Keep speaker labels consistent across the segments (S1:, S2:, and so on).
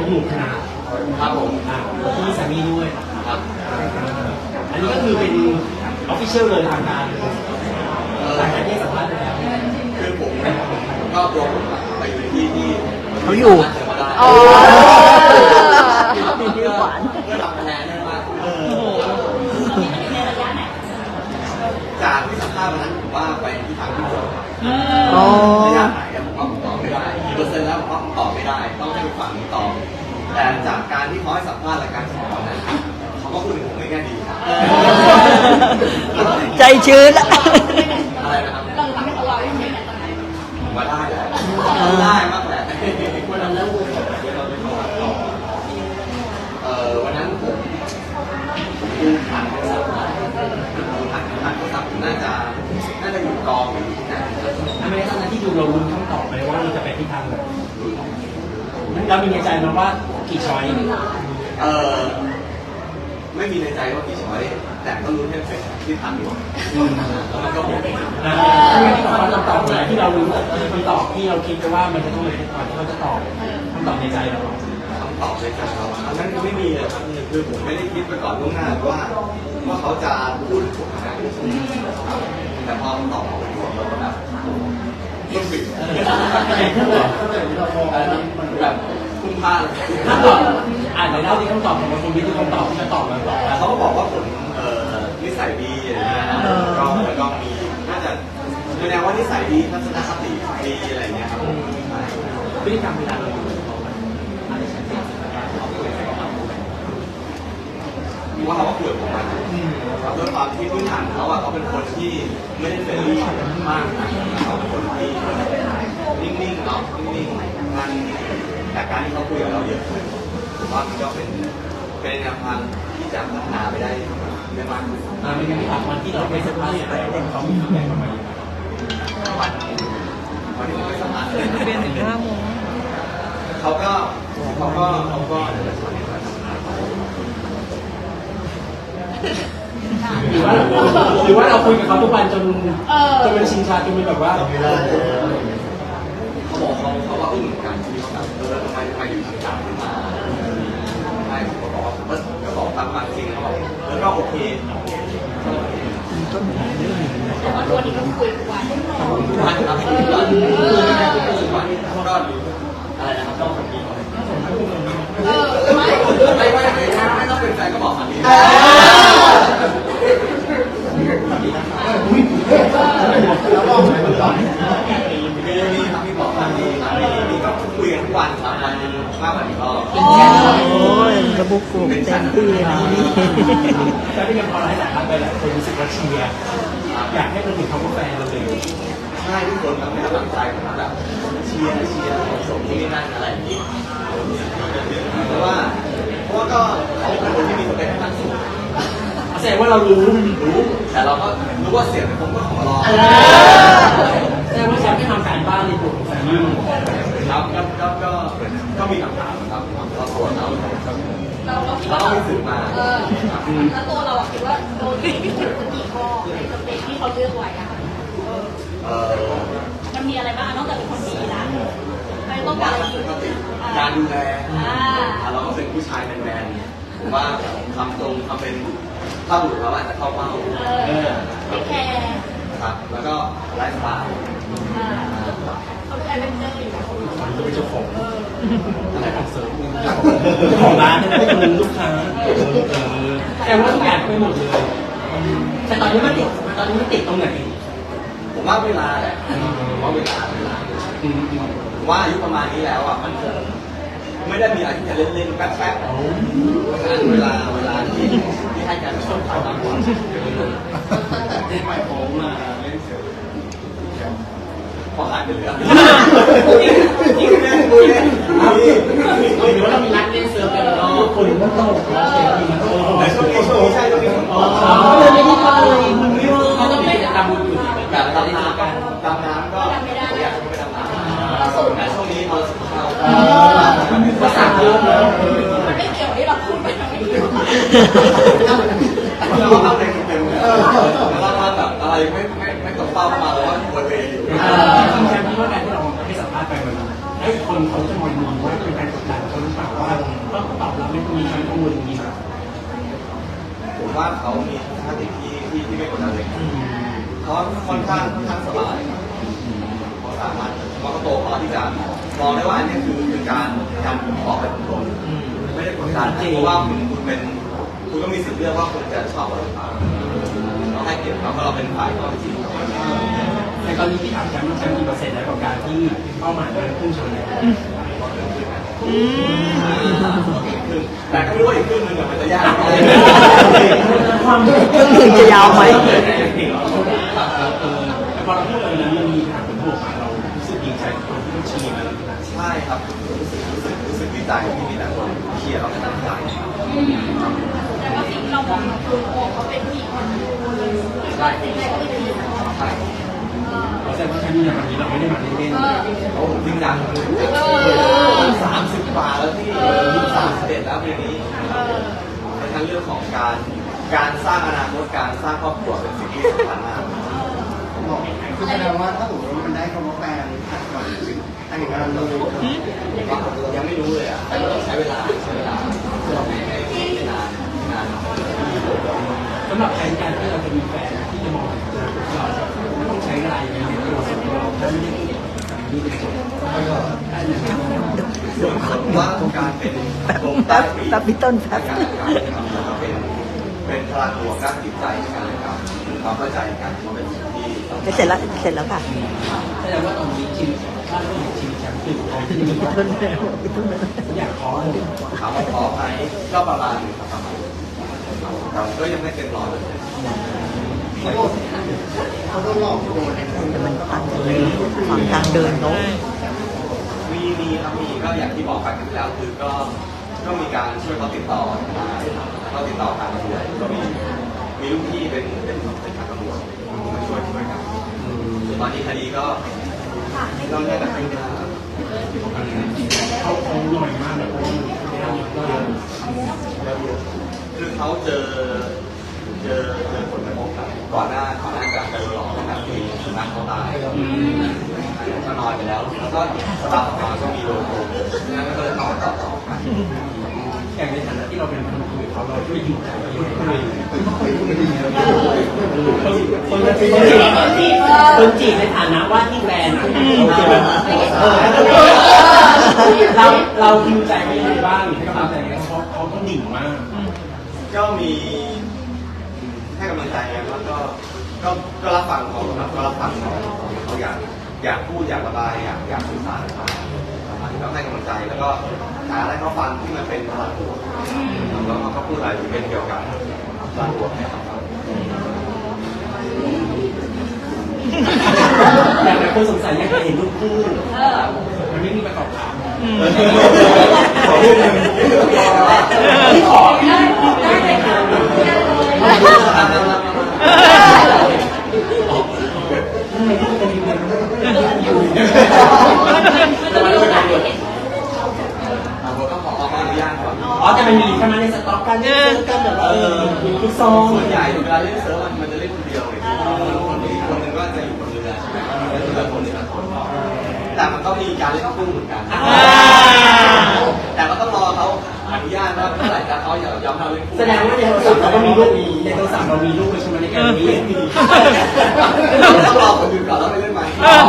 S1: เป็นหมู่คณะ
S2: ครับผม
S1: ที่สามีด้วย
S2: ครับ
S1: อันนี้ก็คือเป็นออฟฟิเชียลเลยทางการหลังจากที่สัมภาษณ์ไปแล้ว
S2: คือผมก็ตัวผมไปอยู่ที่
S3: เขาอยู่
S2: อ๋อ
S3: เพื่อ
S2: ทำคะแนนได้มากจากที่สัมภาษณ์วันนั้นผมว่าไปที่ทางที่จบระยะไหนผมว่าผมตอบไม่ได้กี่เปอร์เซ็นต์แล้วผมว่าผมตอบไม่ได้ต้องให้ฝั่งนี้ตอบแต่จากการที่เขาให้สัมภาษณ์รายการสปอร์ตนั้นเขาก็พูดถึงผมไม่แง่ดี
S3: ใจชื้นละ
S2: อะไรนะครับเราทำให้เขาว่าอย่างนี้ผมว่าได้แหละได้มากแหละวันนั้นแล้ววันนั้นผมดูผ่านโทรศัพท์ผ่านโทรศัพท์น่าจะอยู่กองอยู่ที่ไหน
S1: ไม่ได้ตอนนั้นที่ดูเราลุ้นคำตอบไปว่าเราจะไปที่ทางไหนเรามีในใจไหมว่ากี่ช้อย
S2: ไม่มีในใจว่ากี่ช้อยแต่ก็รู้แค่เป็นที่ทางอยู่แล้วมันก็หมด
S1: ที่บอกว่าคำตอบไหนที่เรารู้คำตอบที่เราคิดไปว่ามันจะต้องเป็นก่อนที่เราจะตอบคำตอบในใจเรา
S2: คำตอบในใจเราอันนั้นไม่มีเลยครับคือผมไม่ได้คิดไปก่อนล่วงหน้าว่าเขาจะพูดผมขนาดนี้แต่พอตอบไปผมเราก็แบบต้นบิดแบบคุ้มค่าเลย
S1: คำตอบอ่านในเล่าที่คำตอบของคนวิทย์ที่คำตอบที่จะตอบมาบอก
S2: เขาก็บอกว่าผมนิสัยดีอะไรเงี้ยแล้วก็มีน่าจะแสดงว่านิสัยดีทัศนคติดีอะไรเงี้ยครับ
S1: พฤติกรรมเวลาเรา
S2: ว่าเขาคุยกับผมมาด้วยความที่พื้นฐานเขาเป็นคนที่ไม่ได้เฟรนลี่มากเขาเป็นคนที่นิ่งๆเนาะนิ่งๆงั้นแต่การที่เขาคุยกับเราเยอะผมว่ามันก็เป็นแนวทางที่จะพัฒนาไปได้มากขึ้น
S1: เป็นการที่ผ่านวันที่เราไปสัมภาษณ์เขามีฟีดแบ็กมา
S2: วันที่ผมไปสัมภาษณ์
S3: เป็นถึง5 โมง
S2: เขาก็
S1: หรือว่าเราคุยกับเขาทุกวันจนเป็นชินชาจนเป็นแบบว่า
S2: เขาบอกเขาว่าอึ้งเหมือนกันที่เขาแบบทำไมอยู่ทางการขึ้นมาใช่ผมก็บอกว่าก็บอกตามความจริงเขาบอกแล้วก็โอเค
S4: ตัวนี้ก็คุยทุกวัน
S2: ทุกวันครับทุกวันก็อะไรนะครับต้องคนดีไม่ต้องเป็นแฟนก็บอกคนดีแล้วบอกไหมก่อนมีครับมีบอกกันมีก็คุยกันทุกวันครับวันนึงมากกว่านี้ก็
S3: โอ้ยกระบุกกลุ่มเต็มที่นี่
S1: แต่ที่ยังพอไลฟ์สัมภาษณ์ไปหลายคนรู้สึกว่าเชียร์อยากให้เราถึงเขาเป็นแฟนเราเลย
S2: ใช่ทุกคนให้กำลังใจผมแบบเชียร์ส่งที่นี่นั่นอะไรอย่างนี้เพราะว่าก็เขาเป็นคนที่มีสเปคขั้นสูง
S1: แสดงว่าเรารู้
S2: แต่เราก็รู้ว่าเสียงผมก็ของเรา
S1: แสดงว่าแชมป์ไม่ทำการบ้านในตัวของแฟนนี่
S2: ครับก็มีคำถามครับเราตรวจเราไม่สื่อมา
S4: แล้วตัวเราคิดว่าโดนที่สุดกี่ข้อในสเปคที่เขาเลือกไว้อะมันมีอะไรบ้างนอกจากเป็นคนดีนะไม่ต้องการ
S2: การดูแลเราก็เป็นผู้ชายแมนๆผมว่าคำตรงคำเป็นถ้าบุรุษเราอาจจะเข้าเป้า
S4: ไม่แคร์
S2: ครับแล้วก็ไลฟ์สไตล์
S4: เขาเป็นอะไรเป็นเจ้าอยู่
S1: เขาเป็นเจ้าของอะไรของเสริมเจ้าของร้านนะไม่เป็นลูกค้าแต่ว่าทุกอย่างไม่หมดเลยแต่ตอนนี้มันติดตรงไหน
S2: ผมว่าเวลาแหละว่าเวลาว่าอายุประมาณนี้แล้วอ่ะมันไม่ได้มีอะไรที่จะเล่นๆแป๊บๆเพราะฉะนั้นเวลาที่ให้การช่วยเขามากกว่าที่หมายผมมาเล่นเสือพอหายไปเหลือนี่คือเล่นคุยเล่น
S1: หรือว่าเรามีรักเล่นเสือกันคนมันโต
S2: แต่ช่วงนี้ใช่ช่วงนี้ผม
S3: เลยไม่ได้ไป
S1: เขาต้องไม่ตามบุญอยู่
S2: แบบดำน้ำก็อยากไปดำน้ำแต่ช่วงนี้เราสุขภาพ
S1: ก็สั่งเยอะเลย
S4: มันไม่เกี่ยวที่เราพูดไปไม่เกี่ยว
S2: เราทำอะไรเต็มเลยเราทำแบบอะไรไม่ตกเป้ามาแล้วว่าบนเวทีอยู่
S1: แชมป์ที่ว่าการที่เราให้สัมภาษณ์ไปมันให้คนเขาจะมองว่าเป็นการกดดันเขาหรือเปล่าว่า
S2: ข้างสบายครับเขาสามารถเขาก็โตพอที่จะมองได้ว่าอันนี้คือการบอกไปตรงๆไม่ได้กดดันเพราะว่าคุณก็มีสิทธิ์เลือกว่าคุณจะชอบอะไรหรือเปล่าเราให้เกียรติเขาเพราะเราเป็นฝ่ายข้อจริง
S1: ในตอนนี้ที่ถามแชมป์กี่เปอร์เซ็นต์แล้วกับการที่เป้าหมายมันพุ่งชนแล้ว
S2: แต่ก็ไม่รู้ว่าอีกครึ่งนึงมันจะยากไหม
S1: ความ
S3: ครึ่งหนึ่งจะยาวไหม
S1: แต่พอเราพูดอะไรนั้นมันมีทางผลบวกมาเรารู้สึกดีใจกับคนที่ต้องชี้มัน
S2: ใช่ครับรู้สึกดีใจที่มีแต่คนเชียร์เราในตั้งใจ
S4: แต่ว่าสิ่งที่เรามองคือโอ้เขาเป็นผู้หญิงคนดูเลยสิ่งแรกก็คือ
S2: ใช่
S1: เราแสดงว่าแชมป์เนี่ยวันนี้เราไม่ได้มาเล่น
S2: โอ้ผมจริงจัง30 กว่าแล้วที่31แล้วปีนี้ในทั้งเรื่องของการสร้างอนาคตการสร้างครอบครัวเป็นสิ่งที่สำคัญมาก
S5: คือแสดงว่าถ้าสมมติว่ามันได้คำว่าแฟนผ่านก่อนแต่งงานเลย
S2: ยังไม่รู้เลยอ่ะใช้เวลาไม่นาน
S1: ๆสำหรับแผนการที่เราจะมีแฟนที่จะมองถึงอนาคตเราไม่ต้องใช้อะไรในตัวส่วนตัวเราถ้าไม่ได้เกี่ยวกับนี่เป็นส่วน
S2: ว่าการเป็นลม
S3: แป๊บแป๊บพี่ต้นแป๊บ
S2: การเป็นพลังบวกด้านจิตใจในการทำความเข้าใจกันมันเป็นสิ่งที่
S3: เสร็จแล้วค่ะ
S1: แสดงว่าตอนนี้ชีวิตบ้านเมืองชีวิตแชมป์คือของที่มี
S3: พี่ต้น
S1: อยากขอเลย
S2: ถามว่าขอไหมก็ประมาณนึงครับประมาณแต่ก็ยังไม่เต็มร้อยเลย
S5: เขาโดนหลอกโดน
S3: แต่มันต่างกันเลยฝั่งทางเดินเขา
S2: มีครับมีก็อย่างที่บอกไปกันแล้วคือก็มีการช่วยเขาติดต่อเขาติดต่อทางตำรวจก็มีลูกพี่เป็นทางตำรวจมาช่วยกันตอนนี้คดีก็ต้องแยกกันไปนะ
S1: เขาหน่อยมากแบบว่า
S2: คือเขาเจอผลกระทบครับก่อนหน้าจะโดนหลอกนะครับมีสุนัขเขาตายก็นอนไปแล้วแล้วก็สตาร์ทออกมาก็มีโดนโกงงั้นก็เลยต่อกัน
S1: อย่างในฐานะที่เราเป็นคนคุยเขาเราช่วยอยู่คนจีบในฐานะว่าที่แฟนเราคิวใจไม่ได้บ้างให้กำลังใจเขาต้องดิ่งมาก
S2: ก็มีให้กำลังใจกันแล้วก็รับฟังเขาก็รับฟังเขาอยากพูดอยากระบายอยากสื่อสารก็ให้กำลังใจแล้วก็หาอะไรเขาฟังที่มันเป็นพลังบวกแล้วเขาพูดอะไรที่เป็นเกี่ยวกับพลังบวกให้เขาฟัง
S1: อย่างไรคนสงสัยอยากจะเห็นรูปคู่มันไม่มีประกอบข่าวที่ขอ
S4: ได้เลยค่ะ
S2: ก็ขออนุญาตก่อน
S1: อ๋อแต่มันมีทำไมในสต็อกกันกันแบบว่าลูกซอง
S2: ส่วนใหญ่เวลาเล่นเซิร์ฟมันจะเล่นคนเดียวเลยคนนึงก็จะอยู่บนเรือใช่ไหมเรือคนนึงคนแต่มันก็มีการเล่นคู่เหมือนกันแต่ก็ต้องรอเขาอนุญาตว่าเมื่อไหร่จะเขาอย่ายอมเราเล่นคู่
S1: แสดงว่าในโทรศัพท์เราก็มีลูกในโทรศัพท์เรามีลูกใช่ไหมในการนี้
S2: ต้องรอคนอื่นก่อนแล้วไปเล่นใหม่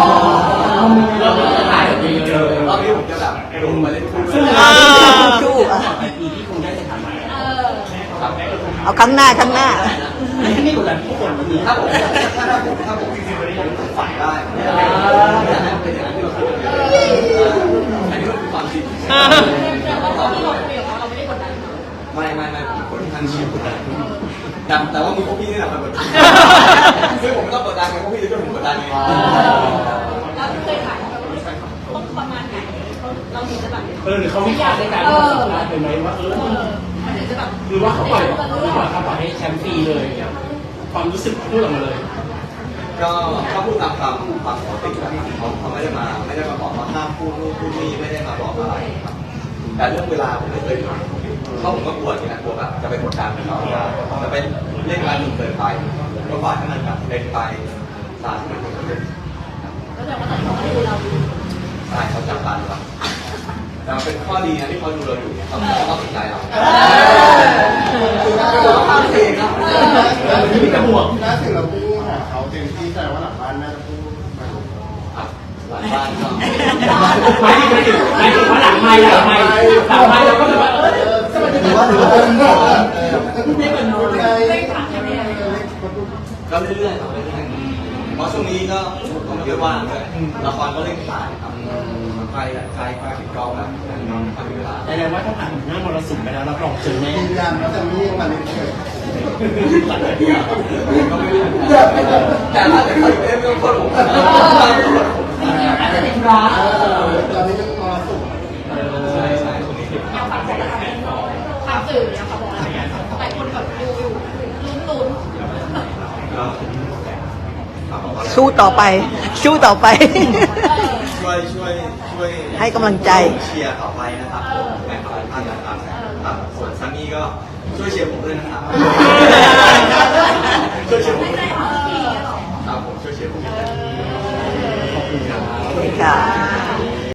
S2: รอบนี้ผมจะแบบลงมาเล่นคู่
S3: ชู้
S1: ไปปีที่คงได้สถานะ
S3: เอาครั้งหน้า
S1: ไม่กดดันทุกคนวันนี้
S2: ถ้าผมจริงๆวันนี้ผมฝันได้อยากให้เป็นอย่างนั้นที่เราคุยกันอันนี้มันคือความจริง
S4: แต่ว่าตอนที่เราคุยกับเขาเราไม่ได้กดดัน
S2: ไม่ผมคนที่ทันชิวกดดันแต่ว่ามึงพวกพี่นี่แหละมันกดดันซึ่งผมไม่ต้องกดดันไงพวกพี่จะช่วยผมกดดันไง
S4: เราเคยถามเขาต้องประมาณไหนเราถึงจะแบบ
S1: หรือเขาวิจารณ์ในการทำสัมภาษณ์เป็นไหมว่า
S4: มันถึงจะแบบ
S1: หรือว่าเขาปล่อยให้แชมป์ฟรีเลยความรู้สึกพูดออกมาเลย
S2: ก็พูดตามความปกติแล้วเขาไม่ได้มาบอกว่าห้ามพูดนู่นพูดนี่ไม่ได้มาบอกอะไรครับแต่เรื่องเวลาผมไม่เคยถามเพราะผมก็กลัวอย่างนั้นกลัวแบบจะไปกดดันเขาจะไปเล่นการหนุนเกินไปก็ปล่อยให้มันแบบเล่นไปตามที่มันเป็น
S4: ก็แสดงว่าตอนนี้เขาไม่ดูเรา
S2: ใช่เขาจับตาดูเราแต่เป็นข้อดีนะที่เขาดูเราอยู่เนี่ยเขาสนใจเรา
S5: คือถ้าเกิดว่าความเสี่ยงนะ
S1: มันไม่มีกระบวก
S5: ถ้าถึงเราพูดหาเขาเต็มที่แสดงว่าหลังบ้าน
S2: บ้านก็
S1: หมายถึงว่าหลังไมค์เราก็แบบว่าสวัสดี
S5: หรือ
S1: ค
S5: ว่า
S1: รับ
S5: หรือว่าเป็นก่อน
S1: ไม่เหมือนโน้ตเลย
S2: ก็เรื่อยๆครับเรื่อยๆเพราะช่วงนี้ก็ผมเยอะว่างด้วยละครก็เล่นถ่ายครับใครปิดกล้องแล้วทำเวลา
S1: แต่ว่าถ้าผ่านหน้ามรสุมไปแล้วรับรองเจอแน่
S5: ยืนยันว่าจะมีมาเล่นเฉย
S2: ก็ไม่รู้แต่ถ้าเกิดเขาอยู่เรื่องคนผม
S1: อาจจะเป็นร้อน
S5: ตอนนี้เป็นมรสุม
S2: ใช่ใช่ตรงนี้
S4: อยากฝากบอกอะไรฝากสื่ออยากฝากบอกอะไรหลายคนแบบดูอยู่ลุ้น
S3: สู้ต่อไป สู้ต่อไป
S2: ช่วย
S3: ให้กำลังใจ
S2: เชียร์ต่อไปนะครับแม่ขอท่านนะครับส่วนซันนี่ก็ช่วยเชียร์ผมด้วยนะครับช่วยเชียร์ผมด้วยครับผมช่วยเชียร์ผมด้วย
S3: ค่ะ